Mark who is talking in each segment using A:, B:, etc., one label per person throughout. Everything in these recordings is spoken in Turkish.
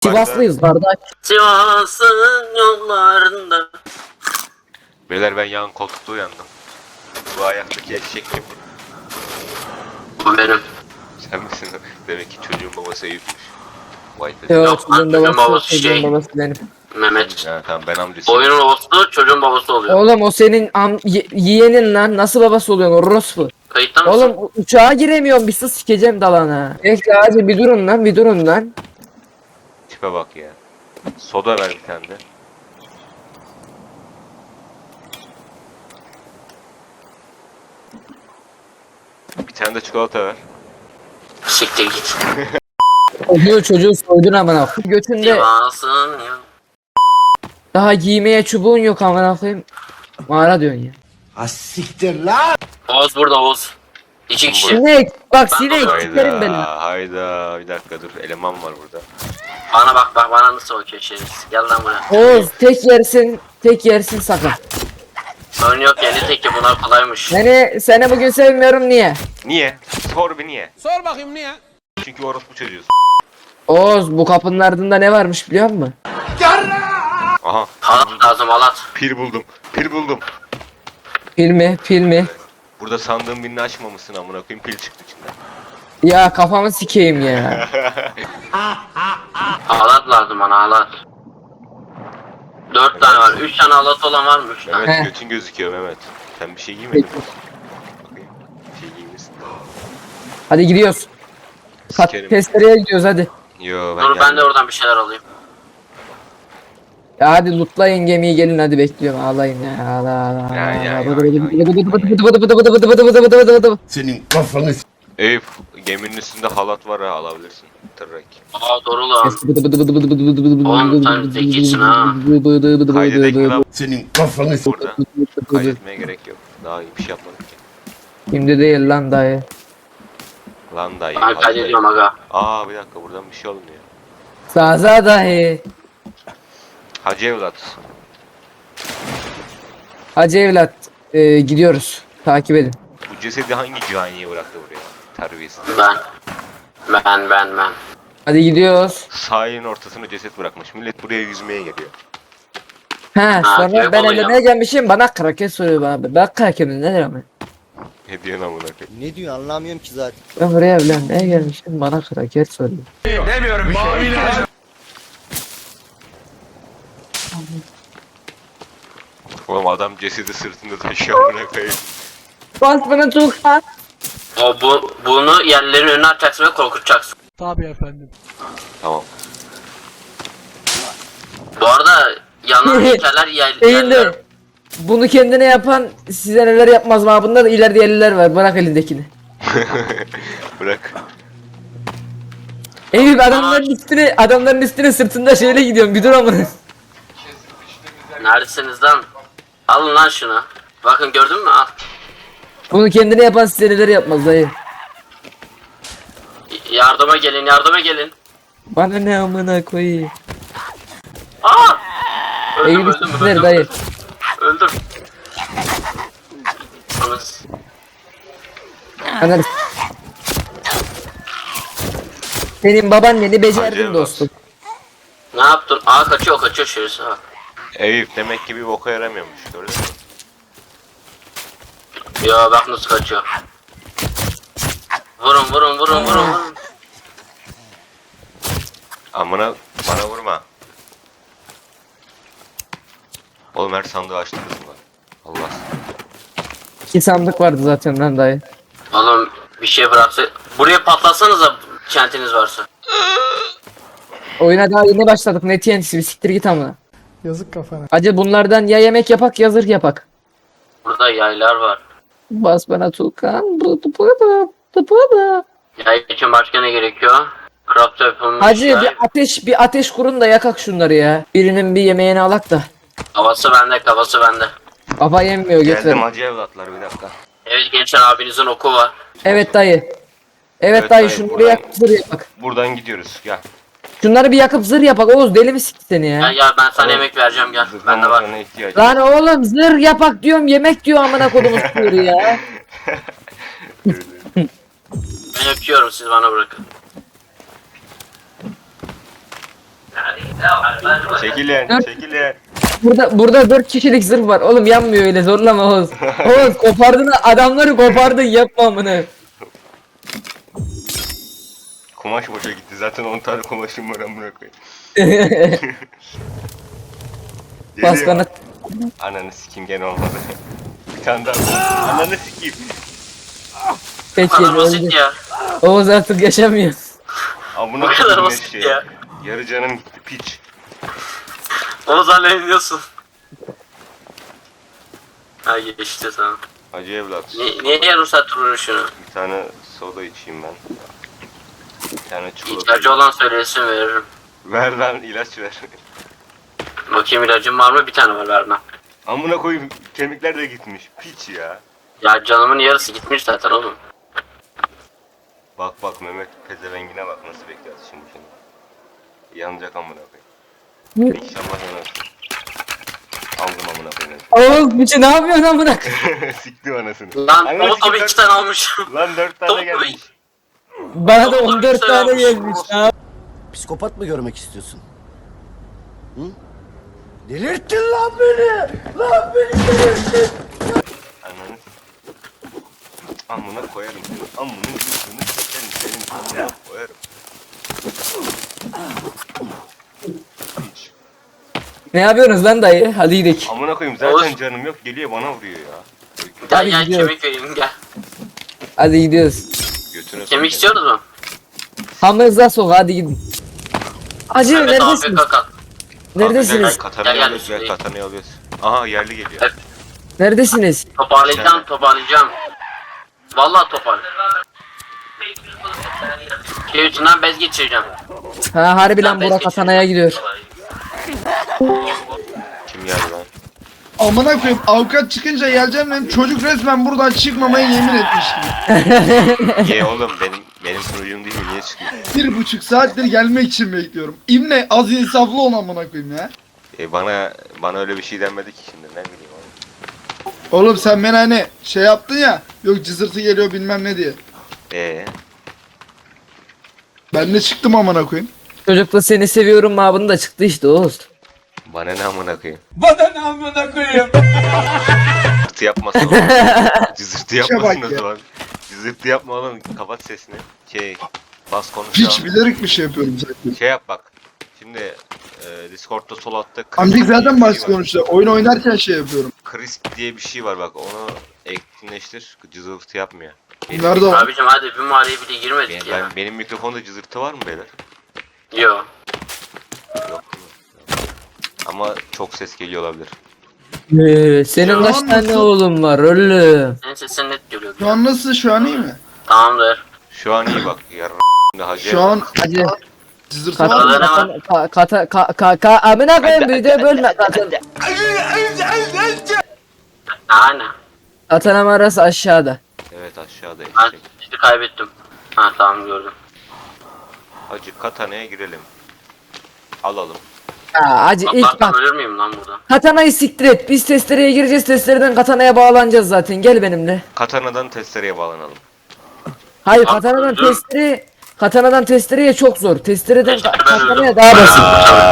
A: Sivaslıyız kardeş.
B: Sivas'ın yollarında.
C: Beyler ben yan koltukta uyandım. Bu ayaktaki eşek kim?
B: Bu benim.
C: Sen misin? Demek ki çocuğun babası Eyüp'müş. Vay be.
A: Yok
B: Yok,
A: çocuğun
B: çocuğun
A: babası,
B: babası
A: çocuğun
B: şey.
A: babası benim.
B: Mehmet.
C: Ya tamam ben amcasıyım.
B: Oyunun olsun çocuğun babası oluyor.
A: Oğlum o senin yeğenin lan, nasıl babası oluyorsun orospu?
B: Kayıtta mısın?
A: Oğlum uçağa giremiyorum, bir sus sikeceğim dalana. Bekle hadi bir durun lan, bir durun lan.
C: Tipe bak ya. Soda ver bir tane de. Bir tane de çikolata ver.
B: Siktir git.
A: Çocuğu soydun amına koyayım. Götünde
B: Sivas'ın ya.
A: daha giymeye çubuğun yok amına koyayım. Mağara diyorsun ya.
D: Asiktir lan.
B: Oğuz burada Oğuz. İki kişi.
A: Sinek bak,
B: Ben
A: sinek
B: de-
A: sikerim beni.
C: Hayda. Bir dakika dur. Eleman var burada.
B: Bana bak bana nasıl bakıyor şerif. Gel lan buraya.
A: Oğuz tek yersin sakın.
B: Sorun yok yeni teki bunlar kolaymış.
A: Seni bugün sevmiyorum, niye?
C: Niye? Sor bir niye?
D: Sor bakayım niye?
C: Çünkü orospu çocuğuz.
A: Oğuz bu kapının ardında ne varmış biliyor musun?
C: Aha.
B: Halat lazım halat.
C: Pil buldum. Pil buldum.
A: Filmi.
C: Burada sandığın birini açmamışsın amına koyayım. Pil çıktı içinden.
A: Ya kafamı sikeyim ya.
B: Halat lazım bana halat. 4 tane var. 3 tane halat olan var mı? 3 tane.
C: Mehmet
A: Heh.
C: götün gözüküyor Mehmet. Sen bir şey giymedin mi? Bakayım. Bir şey giymişsin.
A: Hadi gidiyoruz.
C: Sikerim.
A: Testereye gidiyoruz hadi.
C: Yo ben
B: Dur ben de
C: geldim.
B: oradan bir şeyler alayım.
A: Ya hadi lootlayın gemiyi, gelin hadi, bekliyorum, ağlayın ya, ağla.
C: Ya.
D: Senin kafanı
C: Eyüp geminin üstünde halat var ha alabilirsin. Tırrak.
B: Aa doğru lan. Oğlum sen zekisin ha.
C: Kaydedek mi lan
D: senin kafanı
C: burada? Kaydetmeye gerek yok. Daha iyi bir şey yapmadık ki.
A: Şimdi değil lan dayı.
C: Lan dayı.
B: Ben
C: hadi
B: kaydediyorum
C: dayı.
B: aga.
C: Aa bir dakika buradan bir şey olmuyor.
A: Zaza dayı.
C: Hacı evlat.
A: Hacı evlat, gidiyoruz. Takip edin.
C: Bu cesedi hangi caniye bıraktı buraya? Terbiyesiz.
B: Ben.
A: Hadi gidiyoruz.
C: Sahilin ortasına ceset bırakmış. Millet buraya yüzmeye geliyor.
A: He sonra
B: keyif
A: ben
B: oluyor.
A: ellemeye gelmişim, bana kraket soruyor bana. Ben kraketim nedir ama?
C: Ne diyorsun amına koyayım?
E: Ne diyor anlamıyorum ki zaten.
A: Ben buraya evlenmeye gelmişim, bana kraket soruyor.
C: Oğlum adam cesedi sırtında taşıyor amına koyayım.
A: Bas bana çok lan.
B: Bunu yerlerin önüne atacaksın ve korkutacaksın.
C: Tamam.
B: Bu arada yanan heykeller yerler.
A: Eğildi. Bunu kendine yapan size neler yapmaz mı? Bunda da ileride yerliler var. Bırak elindekini.
C: Bırak.
A: Eyüp adamların üstüne sırtında şeyle gidiyorum. Bir dur amına.
B: Neredesiniz lan? Alın lan şunu. Bakın gördün mü? Al.
A: Bunu kendine yapan size neler yapmaz dayı.
B: Yardıma gelin.
A: Bana ne amına koyayım.
B: Aa! Öldüm
A: Eyüp üstüne dayı.
B: Öldüm. Anız.
A: Anladın. Senin babaanneni
C: Hacı
A: becerdin
C: evlat.
A: dostum.
B: Ne yaptın? Aa kaçıyor şerisi bak.
C: Eyüp demek ki bir boka yaramıyormuş. Gördün mü?
B: Ya bak nasıl kaçıyor. Vurun.
C: Amına bana vurma. Oğlum her sandığı açtınız mı? Allah.
A: 2 sandık vardı zaten lan dayı.
B: Oğlum bir şey bıraksa. Buraya patlatsanıza kentiniz varsa.
A: Oyuna daha yeni başladık. Ne TNT'si, bir siktir git amına.
F: Yazık kafana.
A: Acı bunlardan ya yemek yapak ya zırh yapak.
B: Burada yaylar var.
A: Bas bana Tuğkan.
B: Yay için başka ne gerekiyor? Craft yapılmış
A: Hacı
B: yay.
A: bir ateş kurun da yakak şunları ya. Birinin bir yemeğini alak da.
B: Kafası bende.
A: Kafa yemiyor
C: Geldim
A: götür.
C: hacı evlatlar bir dakika.
B: Evet gençler abinizin oku var.
A: Evet dayı. Evet
C: Evet
A: dayı,
C: dayı,
A: şunları
C: buradan-
A: yakıp zırh yapak.
C: Buradan gidiyoruz gel.
A: Şunları bir yakıp zırh yapak. Oğuz deli mi sikti seni ya?
B: Gel ben sana yemek vereceğim gel. Bende var.
C: Zırhlamazlarına ihtiyacım.
A: Lan oğlum zırh yapak diyorum, yemek diyor amına kodumun sporu ya.
B: Ben öpüyorum siz bana bırakın.
C: Çekilin, çekilin.
A: Burada 4 kişilik zırh var. Oğlum yanmıyor öyle zorlama Oğuz. Oğuz kopardın adamları kopardın yapma amına.
C: Kumaş boşa gitti. Zaten 10 tane kumaşım var amına koyayım.
A: Baskana.
C: Ananı sikeyim gene olmadı. Bir tane daha. Ananı sikeyim.
A: Peki
B: Bu kadar basit
A: öldü.
B: ya.
A: Oğuz artık yaşamıyor.
C: Amına
B: Bu kadar
C: koyayım
B: basit
C: eşeğe.
B: ya.
C: Yarı canım gitti piç.
B: Onu zannediyorsun. Ha geçti tamam.
C: Acı evlat.
B: Niye yarım saat duruyor şunu?
C: Bir tane soda içeyim ben. Bir tane çikolata.
B: İhtiyacı olan söylesin veririm.
C: Ver lan ilaç ver.
B: Bakayım ilacım var mı? Bir tane var vermem.
C: Amına koyayım kemikler de gitmiş. Piç ya.
B: Ya canımın yarısı gitmiş zaten oğlum.
C: Bak bak Mehmet pezevengine bak nasıl bekliyor şimdi. Yanacak amına koyayım. İnşallah yanar. Aldım amına koyayım.
A: Oğuz biçi ne yapıyorsun amına?
C: Siktim anasını.
B: Lan
C: Ananı
B: o tabii
C: sikeyim,
B: 2 tane almışım.
C: Lan 4
B: Top
C: tane gelmiş.
A: Bana da 14 tane gelmiş. Ha.
D: Psikopat mı görmek istiyorsun? Hı? Delirttin lan beni! Lan beni delirttin!
C: Ananı amına koyarım seni. Amına yüzünü çekerim senin amına koyarım. Hiç.
A: Ne yapıyorsunuz lan dayı? Hadi gidelim.
C: Amına koyayım zaten
B: Oğuz.
C: canım yok geliyor bana vuruyor ya.
B: Gel
A: Hadi
B: gel
A: gidiyoruz.
B: kemik vereyim gel.
A: Hadi gidiyoruz.
C: Götüne
B: Kemik istiyoruz mu?
A: Hamırıza sok hadi gidin. Acı
B: Evet
A: neredesiniz?
B: abi kaka.
A: Neredesiniz?
C: Katanayı
B: Gel,
C: alıyoruz
B: gel.
C: ver katanayı alıyoruz. Aha yerli geliyor.
B: Evet.
A: Neredesiniz?
B: Toparlayacağım. Vallahi toparla. Keyfimden bez geçireceğim.
A: Ha harbi lan
B: Ben bez
A: Burak Atana'ya
B: geçireceğim.
A: gidiyor.
C: Kim geldi lan?
E: Amına koyayım avukat çıkınca geleceğim dedim çocuk resmen buradan çıkmamaya yemin etmiş gibi.
C: Niye oğlum benim sunucum değil mi niye çıkıyor?
E: 1,5 saattir gelmek için bekliyorum. İbne az insaflı ol amına koyayım ya.
C: Bana öyle bir şey denmedi ki şimdi ne bileyim oğlum.
E: Oğlum sen beni hani şey yaptın ya yok cızırtı geliyor bilmem ne diye. Ben de çıktım amına koyayım.
A: Çocuk da seni seviyorum mabını da çıktı işte Oğuz.
C: Bana ne amına koyayım?
E: Bana ne amına koyayım.
C: Cızırtı yapmasın oğlum. Cızırtı yapmasın
E: bak
C: o
E: ya.
C: zaman. Cızırtı yapma oğlum kapat sesini. Bas konuş
E: Hiç
C: ya.
E: bilerek bir şey yapıyorum zaten.
C: Şey yap bak. Şimdi Discord'da sol altta
E: Amcık zaten
C: diye bir
E: baş
C: şey var.
E: konuştu. Oyun oynarken şey yapıyorum.
C: Crisp diye bir şey var bak onu etkinleştir. Cızırtı yapmıyor.
E: Nerede o?
B: Abicim hadi bir mağaraya bile girmedik ya.
C: Benim mikrofonda cızırtı var mı beyler?
B: Yo.
C: Yok. Ama çok ses geliyor olabilir.
A: Senin kaç
E: Lan
A: tane
E: nasıl?
A: oğlum var oğlum?
B: Senin sesin net geliyor.
E: Şu an nasıl? Şu an iyi mi?
B: Tamamdır.
C: Şu an iyi bak. Yarın hacı.
E: Şu an
A: Hadi.
E: cızırtı var mı?
A: Amına koyayım video bölme.
B: Aynen.
A: Katana mağarası aşağıda.
C: Evet aşağıda
B: Ben
C: eşek.
B: işte kaybettim. Ha tamam gördüm.
C: Hacı katanaya girelim. Alalım.
A: Ya acı ilk
B: Atlarsam
A: bak.
B: ölür müyüm lan burada?
A: Katanayı siktir et. Biz testereye gireceğiz. Testereden katanaya bağlanacağız zaten. Gel benimle.
C: Katanadan testereye bağlanalım.
A: Hayır
B: Bak,
A: katanadan
B: dur.
A: testereye Katana'dan testereye çok zor. Testereden
B: Testereden
A: katanaya
B: öldüm.
A: daha basit.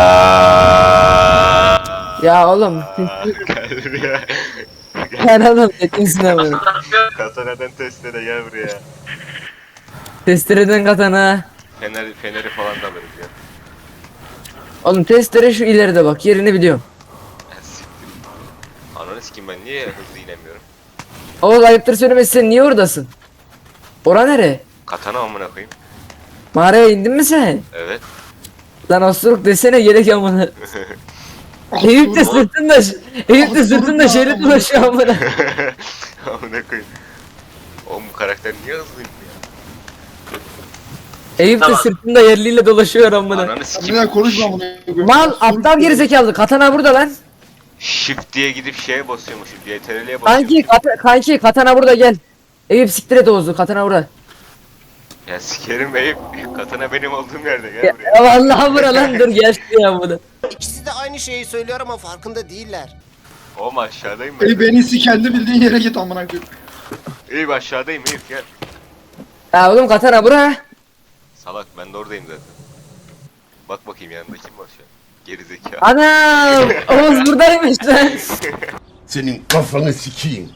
A: Ya oğlum.
C: Gel buraya.
A: Ben oğlum tekinsin ama.
C: Katanadan testere gel buraya.
A: Testereden katana.
C: Feneri falan da alırız ya.
A: Oğlum testere şu ileride bak. Yerini biliyorum.
C: Siktir. Ananı sikeyim ben niye hızlı inemiyorum?
A: Oğuz ayıptır söylemesi sen niye oradasın? Ora nere?
C: Katana amına koyayım.
A: Mağaraya indin mi sen?
C: Evet.
A: Lan osuruk desene gerek amına. Eyüp de sırtında Eyüp de sırtında şeyle dolaşıyor amına.
C: Amına koyayım. Oğlum bu karakter niye hızlıyım ya?
A: Eyüp de
B: Tamam.
A: sırtında yerliyle dolaşıyor amına.
C: Ananı
E: Bir
C: sikeyim.
E: daha konuşma amına koyayım.
A: Mal aptal gerizekalı katana burada lan.
C: Shift diye gidip şeye basıyormuşum. CTRL'ye basıyorum.
A: Kanki katana burada gel. Eyüp siktir et Oğuz'u katana burada.
C: Ya sikerim Eyüp. Katana benim olduğum yerde gel
A: Ya,
C: buraya.
A: vallahi bura lan dur gel şuraya bunu.
F: İkisi de aynı şeyi söylüyor ama farkında değiller.
C: Oğlum aşağıdayım ben.
E: Ey benisi kendi bildiğin yere git amına koyayım.
C: Eyüp aşağıdayım Eyüp gel.
A: Ya oğlum katana bura.
C: Salak ben de oradayım zaten. Bak bakayım yanında kim var şu an. Gerizekalı.
A: Ana Oğuz buradaymış lan.
D: Senin kafanı sikeyim.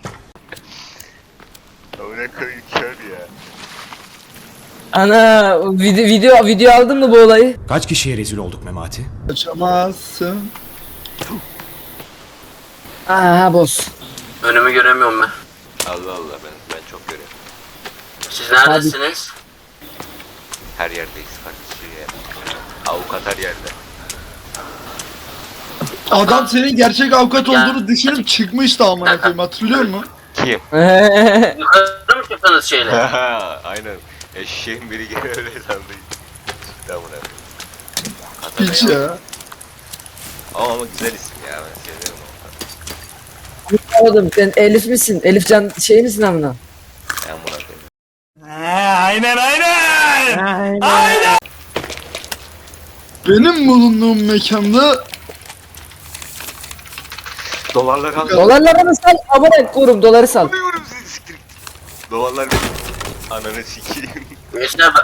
C: Amına koyayım kör ya.
A: Ana video aldın mı bu olayı?
G: Kaç kişiye rezil olduk Memati?
E: Kaçamazsın.
A: Aha boss.
B: Önümü göremiyorum ben.
C: Allah Allah ben çok görüyorum.
B: Siz neredesiniz?
C: Her yerdeyiz kardeşim ya. Avukat her yerde.
E: Adam senin gerçek avukat
B: Ya.
E: olduğunu düşünüp çıkmıştı amına koyayım, hatırlıyor musun?
C: Kim?
B: Yukarı mı çıktınız şeyle?
C: Aynen. Eşeğin biri gene öyle sandı. Çıktı amına koyayım.
E: Hiç ya.
C: Ama güzel isim ya ben seviyorum onu.
A: Oğlum sen Elif misin? Elif Can şey misin amına?
C: Ben buna koyayım.
E: Benim bulunduğum mekanda
C: Dolarlar al.
A: Dolarlarını sal abone korum doları sal.
C: Alıyorum sizi siktir. Dolarlar benim. Ananı sikeyim.
B: Mesela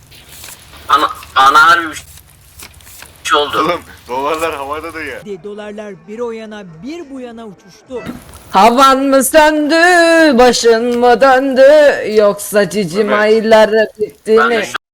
B: ana harbi bir şey oldu.
C: Oğlum dolarlar havada da ya.
H: Dolarlar bir o yana bir bu yana uçuştu.
A: Havan mı söndü, başın mı döndü, yoksa cicim
C: Evet.
A: aylar bitti
B: Ben de
A: mi?
B: şu